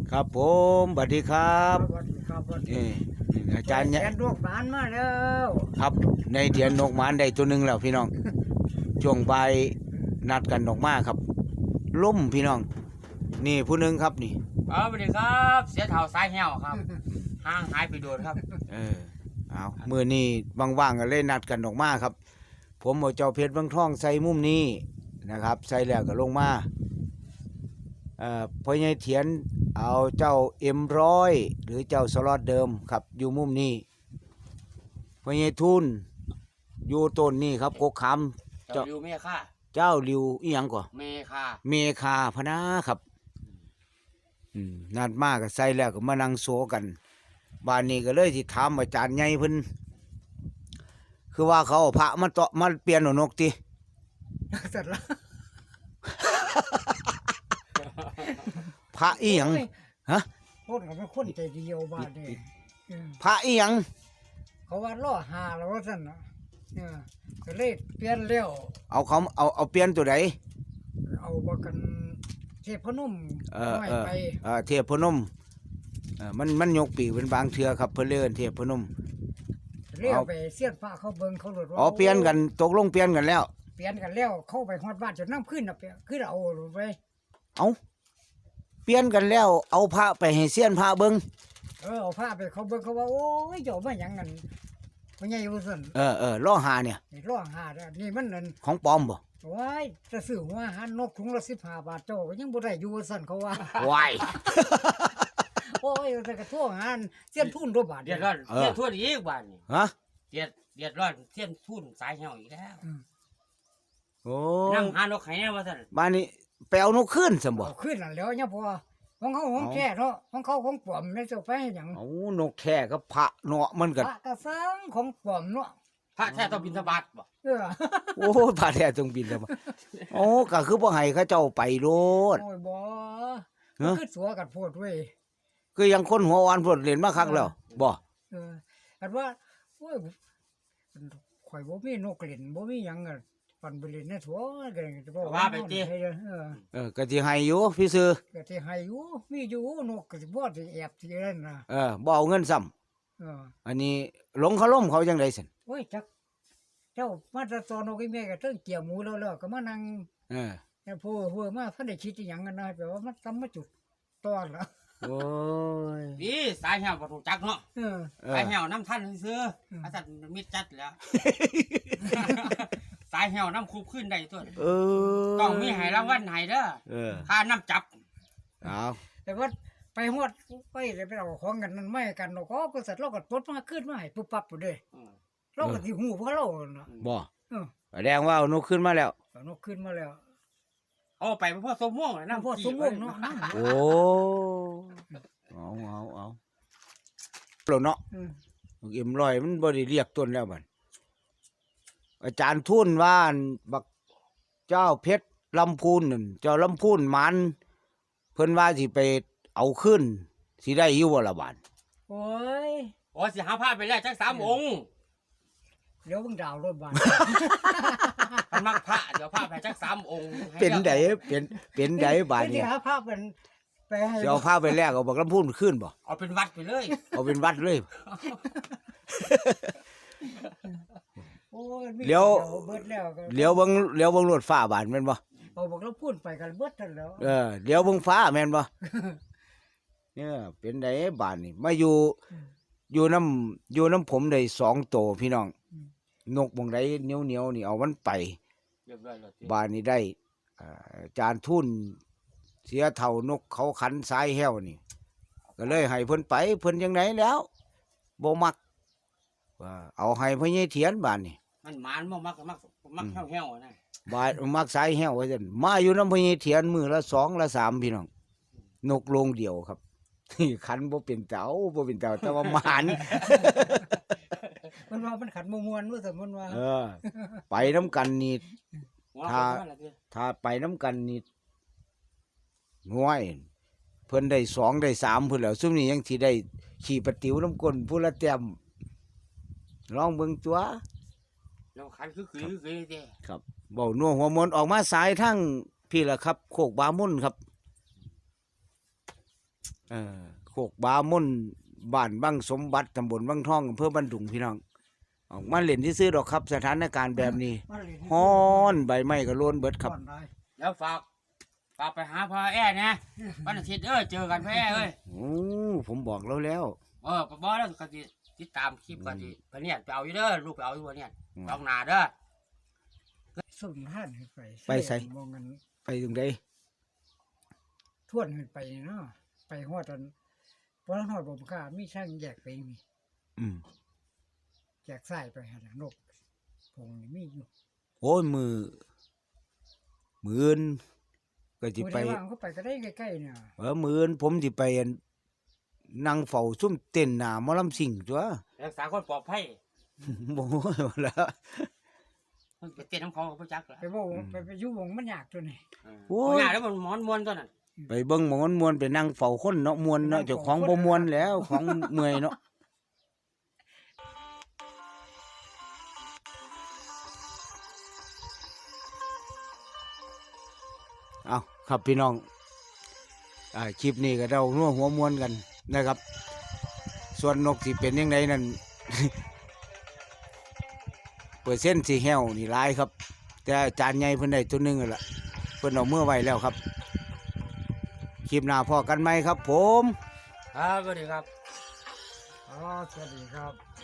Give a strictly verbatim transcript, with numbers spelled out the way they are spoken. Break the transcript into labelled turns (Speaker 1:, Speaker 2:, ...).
Speaker 1: ครับผมสวัสดีครับ
Speaker 2: สวัสดีครับสวัสดี
Speaker 1: นี่อาจารย์เนี่ย
Speaker 2: แกนดวงบานมาแล้ว
Speaker 1: ครับในเถียนนกหมานได้ตัวหนึ่งแล้วพี่น้องช่วงบ่ายนัดกันออกมาครับล่มพี่น้องนี่ผู้หนึ่งครับนี่
Speaker 3: ครับสวัสดีครับเสียเท่าสายแห้วครับห่างหายไปโดนครับ
Speaker 1: เออเอามื่อนี้ว่างๆก็เลยนัดกันออกมาครับ ผมเอาเจ้าเพชรบางท่องใส่มุมนี้นะครับ ใส่แล้วก็ลงมาเอ่อพ่อใหญ่เถียนเอาเจ้าเอ็มร้อยหรือเจ้าสล็อตเดิมครับอยู่มุมนี้พ่อใหญ่ทุนอยู่ต้นนี่ครับกกคำ
Speaker 3: เจ้าริวเมฆา
Speaker 1: เจ้าริวอีหยังก่อ
Speaker 3: เมฆา
Speaker 1: เมคาพนาครับอืมนัดมากก็ใส่แล้วก็มานั่งโซกันบ้านนี้ก็เลยที่ถามอาจารย์ใหญ่เพิ่นคือว่าเขาเอาพระมาเตาะมาเปลี่ยนเอานกติ
Speaker 2: เสร็จแล้ว
Speaker 1: พระอีหยัง ฮะ
Speaker 2: คนเขาเป็นคนใจเดียวบ้านนี่เออ
Speaker 1: พระอีหยัง
Speaker 2: เขาว่าล่อหาแล้วว่าสั่นนะเออก็เลยเปลี่ยนแล้ว
Speaker 1: เอาเขาเอาเอาเปลี่ยนตัวใด
Speaker 2: เอาบกันเทพนุ่ม
Speaker 1: เออ
Speaker 2: ไม่
Speaker 1: เออ
Speaker 2: ไป
Speaker 1: เออเทพพนมเออมันมันยกปีกเป็นบางเทือครับเพิ่นเลื่อนเทพพนม
Speaker 2: เลี้ย
Speaker 1: เอา
Speaker 2: วไปเสียนฟ้าเขาเบิ่งเขาหลุดว่า
Speaker 1: อ๋อเปลี่ยนกันตกลงเปลี่ยนกันแล้ว
Speaker 2: เปลี่ยนกันแล้วเข้าไปฮอดบ้านจนน้ำขึ้นน่ะเปลี่ยนขึ้นเอาหลุดไป
Speaker 1: เอาเปลี่ยนกันแล้ว เอาพระไปให้เซียนพระเบิ่ง
Speaker 2: เออเอาผ้าไปเขาเบิ่งเขาว่าโอ้ยเจ้ามาหยังกันพ่อใหญ่ว่าซั่น
Speaker 1: เออเออล้อหาเนี่ย
Speaker 2: นี่ล่อหาเด้อนี่มันนั่น
Speaker 1: ของปลอมบ่
Speaker 2: ว้ายจะซื้อหัวอาหารนกถุงละสิบห้าบาทเจ้าก็ยังบ่ได้อยู่ว่าซั่นเขาว่า
Speaker 1: วาย
Speaker 2: โอ้ยแต่กระทั่วงานเสี้ยนทุนตัวบาท
Speaker 3: เดือดร้อน
Speaker 1: เออ
Speaker 3: เทียนทุ่นอีกบ้านนี่
Speaker 1: ฮะ
Speaker 3: เดือดเดือดร้อนเทียนทุ่นสายแห้วอีกแล้ว
Speaker 1: โอ้
Speaker 3: นั่งหานกไข่แน่ว่าท่าน
Speaker 1: บ้านนี้ไปเอานกขึ้นสมบ่
Speaker 2: เอาขึ้นนั่นแล้วเนี่ยพอของเขาของ
Speaker 1: เอา
Speaker 2: แก่เนาะของเขาของปลอมไม่เจ้าไปให้หยัง
Speaker 1: เอานกแค่กับพระเนาะมัน
Speaker 2: พ
Speaker 1: ก็
Speaker 2: ระกระสังของปลอมเนาะ
Speaker 3: พระแท้ต้องบินทบาทบ่
Speaker 2: เออ
Speaker 1: โอ้ยพระแท้จงบินแล้วบ่โอ้ก็คือบ่ให้เขาเจ้าไปโลด
Speaker 2: โอ้ยบ่
Speaker 1: ฮะ
Speaker 2: คือสัวกันโพดเว้ย
Speaker 1: คือยังคนหัวอ่อนพวดเล่นมาคักแล้วบ่
Speaker 2: เอออันว่าโอ้ยข่อยบ่มีนกเล่นบ่มีหยังอะปันไปเล่นในถัวก็จะบ่เออ
Speaker 1: เออก็สิให้อยู่พี่ซื้อ
Speaker 2: ก็สิให้อยู่มีอยู่นกก็สิบ่สิแอบสิเล่นน่ะ
Speaker 1: เออบ่เอาเงินซ้ำ
Speaker 2: เออ
Speaker 1: อันนี้หลงเขาล่มเขาจังได๋ซั่น
Speaker 2: โอ้ยจักเจ้ามาแตะตอนนกอีแม่ก็เทิงเกี่ยวหมูแล้วแล้วก็มานั่ง
Speaker 1: เออ
Speaker 2: แต่ผู้ผู้มาเพิ่นได้คิดอีหยังกันนะแปลว่ามันทำมาจุดตอนละ
Speaker 1: โอ้ย
Speaker 3: นี่สายแห้วบ่ถูกจักเนาะ
Speaker 2: เออ
Speaker 1: เอ
Speaker 3: สา
Speaker 1: อย
Speaker 3: แห้วน้ำท่านซื้อ
Speaker 2: อืม
Speaker 3: อาจารย์มิดจัดแล้ว สายแห้วน้ำคูบขึ้นได้ตัว
Speaker 1: เออ
Speaker 3: ต้องมีให้รางวัลให้เด้อ
Speaker 1: เออ
Speaker 3: ค่าน้ำจับ
Speaker 1: เอา
Speaker 2: แต่ว่าไปฮอดไปเลยไปเอาของกันนั่นไม่กันเนาะก็บริษัทเราก็ตดมาขึ้นมาให้ปุ๊บปั๊บพุ่นเด้
Speaker 3: อืม
Speaker 2: เราก็สิฮู้เพราะเราเนาะ
Speaker 1: บ่
Speaker 2: เออ
Speaker 1: แสดงว่าเอานกขึ้นมาแล้ว
Speaker 2: เอานกขึ้นมาแล้ว
Speaker 3: เอาไปพ่อสมม่วงเลย
Speaker 2: น้ำ
Speaker 3: น้ำ
Speaker 2: พอสมมุติเนาะน้ำ
Speaker 1: โอ้เอาเอาเอาแล้วเนาะ
Speaker 2: อืม
Speaker 1: เอ็มร้อยมันบ่ได้เรียกต้นแล้วบัดอาจารย์ทุนว่าอั่นบักเจ้าเพชรลำพูนนั่นเจ้าลำพูนหมันเพิ่นว่าสิไปเอาขึ้นสิได้อยู่บ่ล่ะบาด
Speaker 2: โอ้ย
Speaker 3: โอ้สิหาผ้าไปแล้วจักสามองค์
Speaker 2: เดี๋ยวเบิ่งดาวรถบ้าน
Speaker 3: มันมักพระเดี๋ยวพระไปจักสามองค์ให้
Speaker 1: เป็นไดเป็นเป็นไดบาด
Speaker 2: ที่
Speaker 1: นี้
Speaker 2: หาภาพเป็นไปให้
Speaker 1: สิเอาพาไปแลกเอาบักลำพูนขึ้นบ่
Speaker 3: เอาเป็นวัดไปเลย
Speaker 1: เอาเป็นวัดเลย
Speaker 2: โอ้ยมี
Speaker 1: เดี๋ยว
Speaker 2: เบิดแล้วก็
Speaker 1: เลี้ยวเบิ่งเลี้ยวเบิ่งรถฟ้าบาดแม่นบ่
Speaker 2: เอาบอกเราพูดไปกันเบิดทันแล้ว
Speaker 1: เออเลี้ยวเบิ่งฟ้าแม่นบ่ เนี่ยเป็นไดบาดนี่มาอยู่ อยู่น้ำอยู่น้ำผมได้สองโตพี่น้อง นกบงไดเหนียวเหนียวๆนี่เอามันไป
Speaker 3: เรียบร้อยแล้ว
Speaker 1: บานนี้ได้อ่าอาจารย์ทุนเสียเท่านกเขาขันสายแห้วนี่ ก็เลยให้เพิ่นไปเพิ่นยังไงแล้วบ่มักว่าเอาให้พ่อใหญ่เถียนบานนี่
Speaker 3: มันหมานบ่มักมักมักเหี่ยวๆนะ
Speaker 1: บานมักสายแห้วว่าซั่นมาอยู่น้ำพ่อใหญ่เถียนมือละสองละสามพี่น้องนกโรงเดียวครับ ขันบ่เป็นเจ้าบ่เป็นเจ้าแต่ว่าหมาน
Speaker 2: มันว่ามันขัดมมวนว่าสมมติว่า
Speaker 1: เออ ไปน้ำกันนี่
Speaker 3: หัว
Speaker 1: ถ้า
Speaker 3: เขาว่าอะไรพี่
Speaker 1: ถ้าไปน้ำกันนี่ง่วย เพิ่นได้สองได้สามเพิ่นแล้วซุมนี้ยังสิได้ขี่ปะติ๋วน้ำก้นผู้ละแต้มลองเบิ่งตัว
Speaker 3: เราขันคือคือคือเด้
Speaker 1: ครับเว้านัวหัวมนต์ออกมาสายทั้งพี่ล่ะครับ โคกบามุ่นครับเออโคกบามุ่นบ้านบังสมบัติตำบลบังทองอำเภอบ้านดุงพี่น้องออกมาเล่นที่ซื้อดอกครับสถานการณ์แบบนี้
Speaker 2: มาเล่น
Speaker 1: ฮ้อนใบไม้ก็โลนเบิดครับ
Speaker 2: ก่อนได้
Speaker 3: แล้วฝากฝากไปหาพ่อแอ้นะวันอาทิตย์เอ้ยเจอกันพ่อแอ้เอ้ย
Speaker 1: โอ้ผมบอกแล้วแล้ว
Speaker 3: เออบอกแล้วก็สิติดตามคลิปก็สิไปเนี่ยไปเอาอยู่เด้อลูกไปเอาอยู่บ่เนี่ยไปเอาหน้าเด้อ
Speaker 2: สุ่มท่านขึ้นไป
Speaker 1: ไปไส
Speaker 2: มองกัน
Speaker 1: ไปตรงใด
Speaker 2: ทวนขึ้นไปเนาะไปฮอดตอนบ่ฮอดบ่กล้ามีช่างแยกไปมี
Speaker 1: อืม
Speaker 2: แยกซ้ายไปหั่นน่ะนกพงนี่มีอยู่
Speaker 1: โอ้ยมือมืออื่นก็สิ
Speaker 2: ผู้
Speaker 1: ไป
Speaker 2: ใดว่างก็ไปก็ได้ใกล้ๆเนี่ย
Speaker 1: เออมืออื่นผมสิไปอั่นนั่งเฝ้าซุ่มเต้นหน้าหมอลำซิ่งตัว
Speaker 3: รักษาคนปลอดภัย
Speaker 1: บ่แล้ว
Speaker 3: มันไปเต้นน้ำเขากับพ่อจักเหรอ
Speaker 2: ไปบ่ไปไปอยู่วงมันยากตัวนี้
Speaker 1: โอ้
Speaker 3: โอ้
Speaker 1: ย
Speaker 3: ยแล้วมันมอนมวนตัวนั้น
Speaker 1: ไปเบิ่งหมอนมวนไปนั่งเฝ้าคนเนาะมวนเนาะเจ้าของบ่มวนแล้วของเมื่อยเนาะเอาครับพี่น้องอ่าคลิปนี้ก็เราร่วมหัวมวนกันนะครับ ส่วนนกสิเป็นยังไงนั่น เปอร์เซ็นต์สิแห้วนี่หลายครับ แต่อาจารย์ใหญ่เพิ่นได้ตัวหนึงนั่นล่ะเพิ่นเอาเมื่อไว้แล้วครับคลิปหน้าพอกันไหมครับผม
Speaker 3: ครับสวัสดีครับ
Speaker 2: อ๋อสวัสดีครับ